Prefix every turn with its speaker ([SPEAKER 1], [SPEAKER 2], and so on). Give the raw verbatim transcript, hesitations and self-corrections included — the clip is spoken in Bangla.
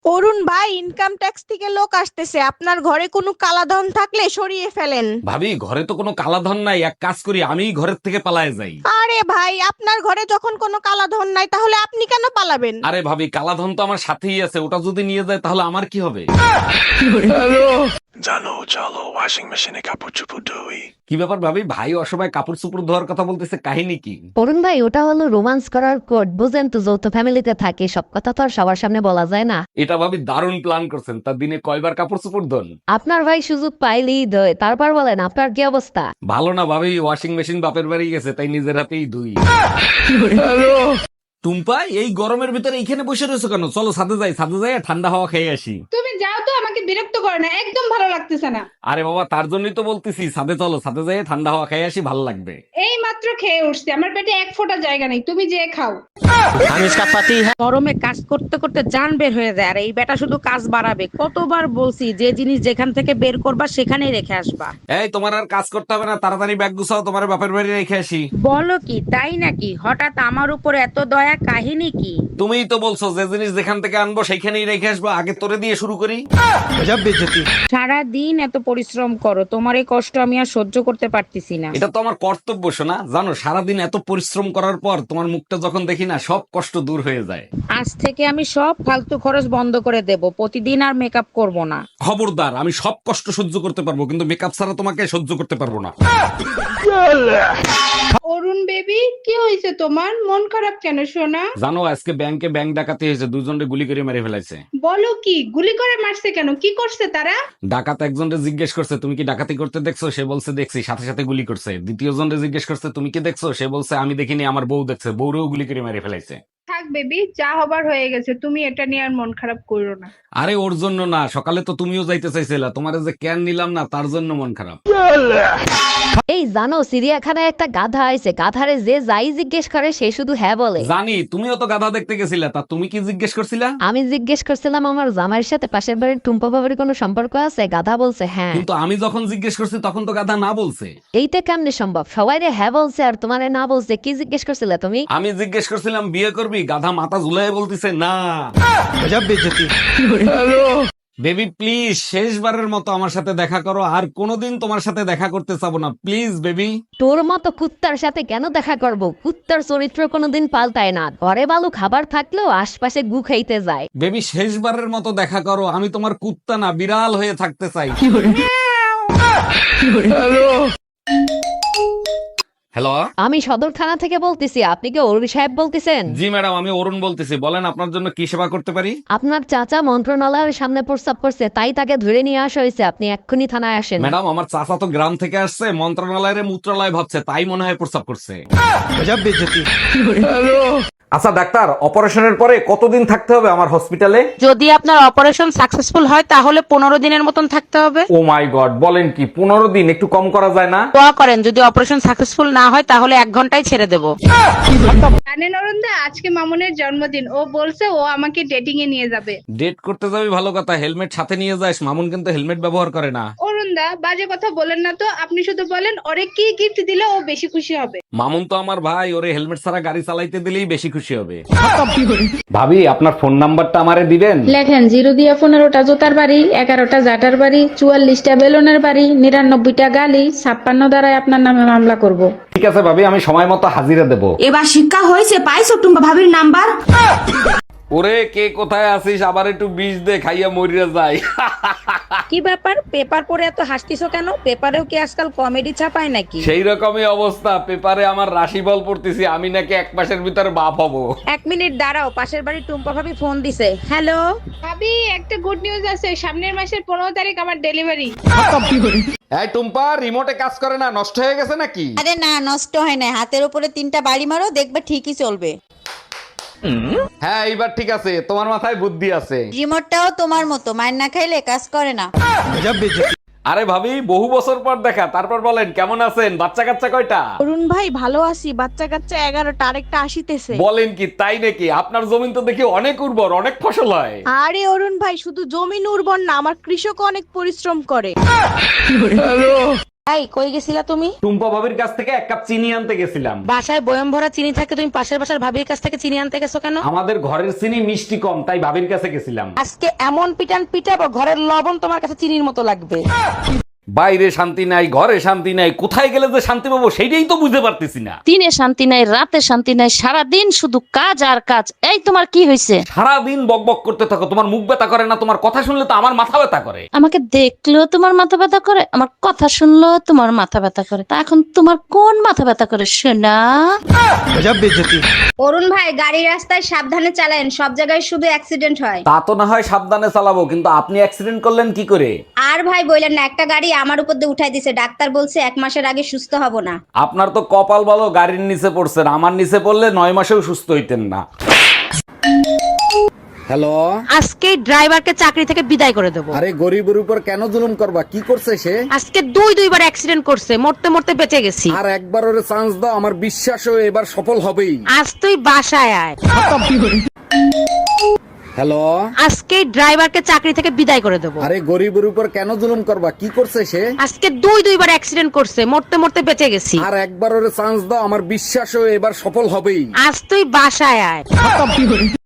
[SPEAKER 1] অরুণ ভাই, ইনকাম ট্যাক্স থেকে লোক আসতেছে, আপনার ঘরে কোনো কালাধন থাকলে সরিয়ে ফেলেন।
[SPEAKER 2] ভাবি, ঘরে তো কোনো কালাধন নাই, এক কাজ করি আমি ঘরের থেকে পালায়ে যাই।
[SPEAKER 1] আরে ভাই, আপনার ঘরে যখন কোনো কালাধন নাই তাহলে আপনি কেন পালাবেন?
[SPEAKER 2] আরে ভাবি, কালাধন তো আমার সাথেই আছে, ওটা যদি নিয়ে যায় তাহলে আমার কি হবে?
[SPEAKER 3] জানো, চলো ওয়াশিং মেশিনে কাপড় চোপড় ধুই।
[SPEAKER 2] কি ব্যাপার ভাবি, ভাই অসময় কাপড় চোপড় ধোয়ার কথা বলতেছে, কাহিনী কি?
[SPEAKER 4] অরুণ ভাই, ওটা হলো রোমান্স করার কোড, বুঝেন তো, যৌথ ফ্যামিলিতে থাকে, সব কথা তো আর সবার সামনে বলা যায় না।
[SPEAKER 2] এটা ভাবি দারুণ প্ল্যান করছেন। তার দিনে কয়বার কাপড় চোপড় ধোন?
[SPEAKER 4] আপনার ভাই সুযোগ পাইলেই দয়। তারপর বলেন, আপনার কি অবস্থা?
[SPEAKER 2] ভালো না ভাবি, ওয়াশিং মেশিন বাপের বাড়ি গেছে, তাই নিজের হাতেই ধুই। টুম্পা, এই গরমের ভিতরে এইখানে বসে রয়েছো কেন? চলো ছাদে যাই, ছাদে যাই ঠান্ডা হাওয়া খেয়ে আসি।
[SPEAKER 5] তুমি যাও তো, আমাকে বিরক্ত করো না, একদম ভালো লাগতেছে না।
[SPEAKER 2] আরে বাবা, তার জন্যই তো বলতেছি ছাদে চলো, ছাদে যাই ঠান্ডা হাওয়া খেয়ে আসি, ভালো লাগবে।
[SPEAKER 5] এই মাত্র খেয়ে উঠছি, আমার পেটে এক ফোঁটা জায়গা নেই, তুমি যে খাও।
[SPEAKER 6] গরমে কাজ করতে করতে জান বের হয়ে যায়, আর এই বেটা শুধু কাজ বাড়াবে। কতবার বলছি যে জিনিস যেখান থেকে বের করবা সেখানেই রেখে আসবা।
[SPEAKER 2] এই, তোমার আর কাজ করতে হবে না, তাড়াতাড়ি ব্যাগ গুছাও, তোমার বাপের বাড়ি রেখে আসি।
[SPEAKER 6] বলো কি, তাই নাকি? হঠাৎ আমার উপর এত দয়া, কাহিনী কি?
[SPEAKER 2] তুমিই তো বলছো যে জিনিস যেখান থেকে আনবো সেইখানেই রেখে আসবো, আগে তোরে দিয়ে শুরু করি।
[SPEAKER 6] সারা দিন এত পরিশ্রম করো, তোমার এই কষ্ট আমি আর সহ্য করতে পারতেছি না।
[SPEAKER 2] এটা তো আমার কর্তব্য শোনা, জানো সারাদিন এত পরিশ্রম করার পর তোমার মুখটা যখন দেখি না, সব কষ্ট দূর হয়ে যায়।
[SPEAKER 6] আজ থেকে আমি সব ফালতু খরচ বন্ধ করে দেব, প্রতিদিন আর মেকআপ করব না।
[SPEAKER 2] খবরদার, আমি সব কষ্ট সহ্য করতে পারবো, কিন্তু মেকআপ ছাড়া তোমাকে সহ্য করতে পারবো না।
[SPEAKER 5] অরুণ বেবি, কি হয়েছে তোমার? মন খারাপ কেন সোনা?
[SPEAKER 2] জানো, আজকে ব্যাংকে ব্যাংক ডাকাতি হয়েছে, দুজনে গুলি করে মেরে ফেলাইছে।
[SPEAKER 5] বলো কি, গুলি করে মারছে কেন? কি করছে তারা?
[SPEAKER 2] ডাকাত একজনকে জিজ্ঞেস করছে তুমি কি ডাকাতি করতে দেখছো, সে বলছে দেখছি, সাথে সাথে গুলি করছে। দ্বিতীয় জনকে জিজ্ঞেস করছে তুমি কি দেখছো, সে বলছে আমি দেখিনি, আমার বউ দেখছে, বউরেও গুলি করে মেরে ফেলাইছে।
[SPEAKER 5] থাক বেবি, যা হবার হয়ে গেছে, তুমি এটা নিয়ে আর মন খারাপ করো না।
[SPEAKER 2] আরে ওর জন্য না, সকালে তো তুমিও যাইতে চাইছিলা, তোমার যে ক্যান নিলাম না তার জন্য মন খারাপ।
[SPEAKER 4] এই জানো, চিড়িয়াখানায় একটা গাধা আছে, গাধারে যে যাই জিজ্ঞেস করে সে শুধু হ্যাঁ বলে।
[SPEAKER 2] জানি, তুমিও তো গাধা দেখতে গেছিলা, তা তুমি কি জিজ্ঞেস করছিলা?
[SPEAKER 4] আমি জিজ্ঞেস করছিলাম আমার জামাইয়ের সাথে পাশের বাড়ির টুম্পা বাবার কোনো সম্পর্ক আছে, গাধা বলছে হ্যাঁ।
[SPEAKER 2] কিন্তু আমি যখন জিজ্ঞেস করছি তখন তো গাধা না বলছে।
[SPEAKER 4] এইটা কেমনে সম্ভব? সবাই রে হ্যাঁ বলছে আর তোমারে না বলছে, কি জিজ্ঞেস করছিলে তুমি?
[SPEAKER 2] আমি জিজ্ঞেস করছিলাম বিয়ে করবি, গাধা মাথা ঝুলাই বলতিছে না। বেবি প্লিজ, শেষবারের মতো আমার সাথে দেখা করো, আর কোনোদিন তোমার সাথে দেখা করতে চাবো না, প্লিজ বেবি।
[SPEAKER 4] তোর মতো কুত্তার সাথে কেন দেখা করব? কুত্তার চরিত্র কোনোদিন পাল্টায় না, ঘরে বালু খাবার থাকলেও আশপাশে গু খাইতে যায়।
[SPEAKER 2] বেবি শেষবারের মতো দেখা করো, আমি তোমার কুত্তা না, বিড়াল হয়ে থাকতে চাই। হ্যালো,
[SPEAKER 4] আমি সদর থানা থেকে বলতেছি, আপনি কি অরুণ সাহেব বলতেছেন?
[SPEAKER 2] জি ম্যাডাম, আমি অরুণ বলতেছি, বলেন আপনার জন্য কি সেবা করতে পারি?
[SPEAKER 4] আপনার চাচা মন্ত্রণালয়ের সামনে প্রস্তাব করছে, তাই তাকে ধরে নিয়ে আসা হয়েছে, আপনি এক্ষুনি থানায় আসেন।
[SPEAKER 2] ম্যাডাম, আমার চাচা তো গ্রাম থেকে আসছে, মন্ত্রণালয়ের মূত্রালয় ভাবছে, তাই মনে হয় প্রস্তাব করছে। আচ্ছা ডাক্তার, অপারেশনের পরে কতদিন থাকতে হবে আমার হসপিটালে?
[SPEAKER 6] যদি আপনার অপারেশন সাকসেসফুল হয় তাহলে পনেরো দিনের মতন থাকতে হবে।
[SPEAKER 2] ও মাই গড, বলেন কি, পনেরো দিন? একটু কম করা যায় না?
[SPEAKER 6] দোয়া করেন, যদি অপারেশন সাকসেসফুল না হয় তাহলে এক ঘন্টায় ছেড়ে দেবো।
[SPEAKER 5] জানেন অরুণ দা, আজকে মামুনের জন্মদিন, ও বলছে ও আমাকে ডেটিং এ নিয়ে যাবে।
[SPEAKER 2] ডেট করতে যাবি ভালো কথা, হেলমেট সাথে নিয়ে যাস, মামুন কিন্তু হেলমেট ব্যবহার করে না।
[SPEAKER 5] অরুণ দা, বাজে কথা বলেন না তো, আপনি শুধু বলেন ওরে কি গিফট দিলে ও বেশি খুশি হবে।
[SPEAKER 2] মামুন তো আমার ভাই, ওরে হেলমেট ছাড়া গাড়ি চালাইতে দিলেই বেশি খুশি হবে। ভাবি, আপনার ফোন নাম্বারটা আমারে দিবেন?
[SPEAKER 7] লেখেন, জিরো দিয়া পনেরোটা জোতার বাড়ি, এগারোটা জাটার বাড়ি, চুয়াল্লিশটা বেলুনের বাড়ি, নিরানব্বইটা গালি, ছাপ্পান্ন দ্বারাই আপনার নামে মামলা করব।
[SPEAKER 2] ঠিক আছে ভাবি, আমি সময় মতো হাজিরা দেব।
[SPEAKER 8] এবার শিক্ষা হয়েছে, পাইছো টুম্পা ভাবির নাম্বার?
[SPEAKER 2] ওরে কে কোথায় আছিস, আবার একটু বিষ দে, খাইয়া মরিয়া যাই।
[SPEAKER 6] কি ব্যাপার, পেপার পড়ে এত হাসতিছো কেন? পেপারেও কি আজকাল কমেডি ছাপায় নাকি?
[SPEAKER 2] সেই রকমই অবস্থা, পেপারে আমার রাশিফল পড়তেছি, আমি নাকি এক মাসের ভিতরে বাপ হব।
[SPEAKER 6] এক মিনিট দাঁড়াও, পাশের বাড়ির টুম্পা ভাবি ফোন দিছে। হ্যালো।
[SPEAKER 5] ভাবি, একটা গুড নিউজ আছে, সামনের মাসের পনেরো তারিখ আমার ডেলিভারি।
[SPEAKER 2] এই টুম্পা, রিমোটে কাজ করে না, নষ্ট হয়ে গেছে নাকি?
[SPEAKER 9] আরে না, নষ্ট হয় না, হাতের উপরে তিনটা বাড়ি মারো, দেখবে ঠিকই চলবে।
[SPEAKER 2] হ্যাঁ, এইবার ঠিক আছে, তোমার মাথায় বুদ্ধি আছে।
[SPEAKER 9] রিমোটটাও তোমার মতো, মার না খাইলে কাজ করে না।
[SPEAKER 2] আরে ভাবি, বহু বছর পর দেখা, তারপর বলেন কেমন আছেন, বাচ্চা কাচ্চা কয়টা?
[SPEAKER 1] অরুণ ভাই, ভালো আছি, বাচ্চা কাচ্চা এগারোটা, আরেকটা আসিতেছে।
[SPEAKER 2] বলেন কি, তাই নাকি? আপনার জমিন তো দেখি অনেক উর্বর, অনেক ফসল হয়।
[SPEAKER 1] আরে অরুণ ভাই, শুধু জমিন উর্বর না, আমার কৃষক অনেক পরিশ্রম করে।
[SPEAKER 6] এই কই গেছিলা তুমি?
[SPEAKER 2] টুম্পা ভাবির কাছ থেকে এক কাপ চিনি আনতে গেছিলাম।
[SPEAKER 6] বাসায় বয়ম ভরা চিনি থাকে, তুমি পাশের বাসার ভাবির কাছ থেকে চিনি আনতে গেছো কেন?
[SPEAKER 2] আমাদের ঘরের চিনি মিষ্টি কম, তাই ভাবির কাছে গেছিলাম।
[SPEAKER 6] আজকে এমন পিটান পিটাবো ঘরের লবণ তোমার কাছে চিনির মতো লাগবে।
[SPEAKER 2] বাইরে শান্তি নাই, ঘরে শান্তি নাই, কোথায় গেলে যে শান্তি পাবো সেইটাই তো বুঝতে পারতেছি না।
[SPEAKER 4] দিনে শান্তি নাই, রাতে শান্তি নাই, সারাদিন শুধু কাজ আর কাজ। এই তোমার কি হয়েছে?
[SPEAKER 2] সারাদিন বক বক করতে থাকো, তোমার মুখ ব্যথা করে না? তোমার কথা শুনলে তো আমার মাথা ব্যথা করে।
[SPEAKER 4] আমাকে দেখলেও তোমার মাথা ব্যথা করে, আমার কথা শুনলেও তোমার মাথা ব্যথা করে। তা এখন তোমার কোন মাথা ব্যথা করে শোনা?
[SPEAKER 5] অরুণ ভাই, গাড়ি রাস্তায় সাবধানে চালান, সব জায়গায় শুধু অ্যাক্সিডেন্ট হয়।
[SPEAKER 2] তা তো না হয় সাবধানে চালাবো, কিন্তু আপনি অ্যাক্সিডেন্ট করলেন কি করে?
[SPEAKER 5] আর ভাই বললেন না, একটা গাড়ি আমার উপর দিয়ে উঠাই দিছে, ডাক্তার বলছে এক মাসের আগে সুস্থ হব না।
[SPEAKER 2] আপনার তো কপাল ভালো, গাড়ির নিচে পড়ছেন, আমার নিচে পড়লে নয় মাসেও সুস্থ হইতেন না। হ্যালো,
[SPEAKER 6] আজকে ড্রাইভারকে চাকরি থেকে বিদায় করে দেবো।
[SPEAKER 2] আরে গরিবের উপর কেন জুলুম করবা? কি করছে সে?
[SPEAKER 6] আজকে দুই দুইবার অ্যাক্সিডেন্ট করছে, মরতে মরতে বেঁচে গেছি।
[SPEAKER 2] আর একবার ওরে চান্স দাও, আমার বিশ্বাস ও এবার সফল হবেই।
[SPEAKER 6] আজ তুই বাসায় আয়।
[SPEAKER 2] হ্যালো,
[SPEAKER 6] আজকে ড্রাইভারকে চাকরি থেকে বিদায় করে দেবো।
[SPEAKER 2] আরে গরিবের উপর কেন জুলুম করবা? কি করছে সে?
[SPEAKER 6] আজকে দুই দুইবার অ্যাক্সিডেন্ট করছে, মরতে মরতে বেঁচে গেছি।
[SPEAKER 2] আর একবার ওরে চান্স দাও, আমার বিশ্বাস ও এবার সফল হবেই।
[SPEAKER 6] আজ তুই বাসায় আয়।